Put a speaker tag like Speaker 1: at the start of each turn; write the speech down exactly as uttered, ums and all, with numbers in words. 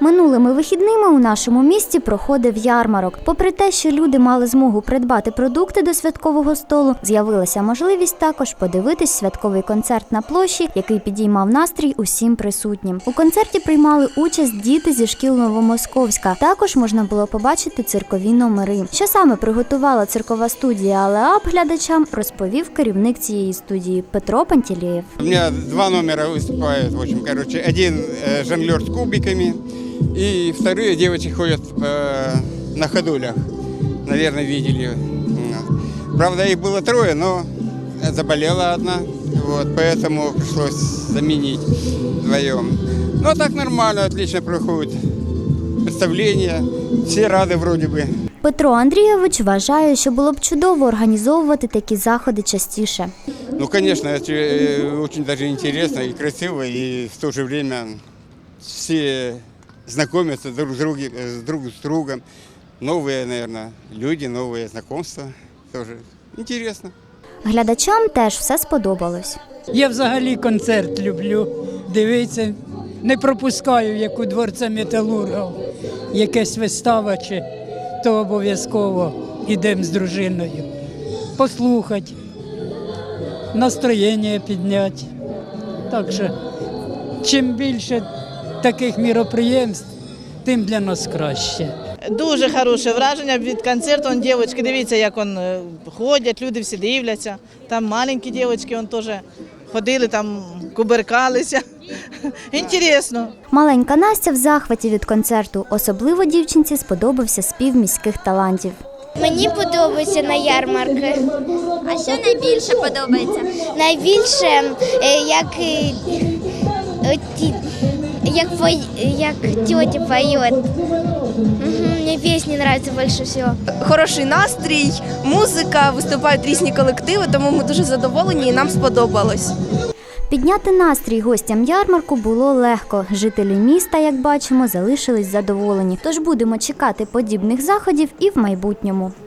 Speaker 1: Минулими вихідними у нашому місті проходив ярмарок. Попри те, що люди мали змогу придбати продукти до святкового столу, з'явилася можливість також подивитись святковий концерт на площі, який підіймав настрій усім присутнім. У концерті приймали участь діти зі шкіл Новомосковська. Також можна було побачити циркові номери. Що саме приготувала циркова студія Алеап глядачам, розповів керівник цієї студії Петро Пантелеєв.
Speaker 2: У мене два номера виступають, в общем, короче, один жонглер з кубиками, и вторые девочки ходят э, на ходулях, наверное, видели. Правда, их было трое, но заболела одна, вот, поэтому пришлось заменить вдвоем. Но так нормально, отлично проходит представление, все рады вроде бы.
Speaker 1: Петро Андрійович вважає, що було б чудово організовувати такі заходи частіше.
Speaker 2: Ну, конечно, это очень даже интересно и красиво, и в то же время все знакомятся друг с другом, друг с другом. Новые, наверное, люди, новые знакомства. Тоже интересно.
Speaker 1: Глядачам теж все сподобалось.
Speaker 3: Я взагалі концерт люблю дивитися. Не пропускаю, як у Дворця металургів, якась вистава, чи то обов'язково йдемо з дружиною. Послухати, настроєння підняти. Так що, чим більше таких міроприємств, тим для нас краще.
Speaker 4: Дуже хороше враження від концерту. Он, дівчатки, дивіться, як он, ходять, люди всі дивляться. Там маленькі дівчатки он, теж ходили, там куберкалися. Інтересно.
Speaker 1: Маленька Настя в захваті від концерту. Особливо дівчинці сподобався спів міських талантів.
Speaker 5: Мені подобається на ярмарки.
Speaker 6: А що найбільше подобається?
Speaker 5: Найбільше, як, як, як тетя поет. Мені пісні подобаються більше всього.
Speaker 7: Хороший настрій, музика, виступають різні колективи, тому ми дуже задоволені і нам сподобалось.
Speaker 1: Підняти настрій гостям ярмарку було легко. Жителі міста, як бачимо, залишились задоволені. Тож будемо чекати подібних заходів і в майбутньому.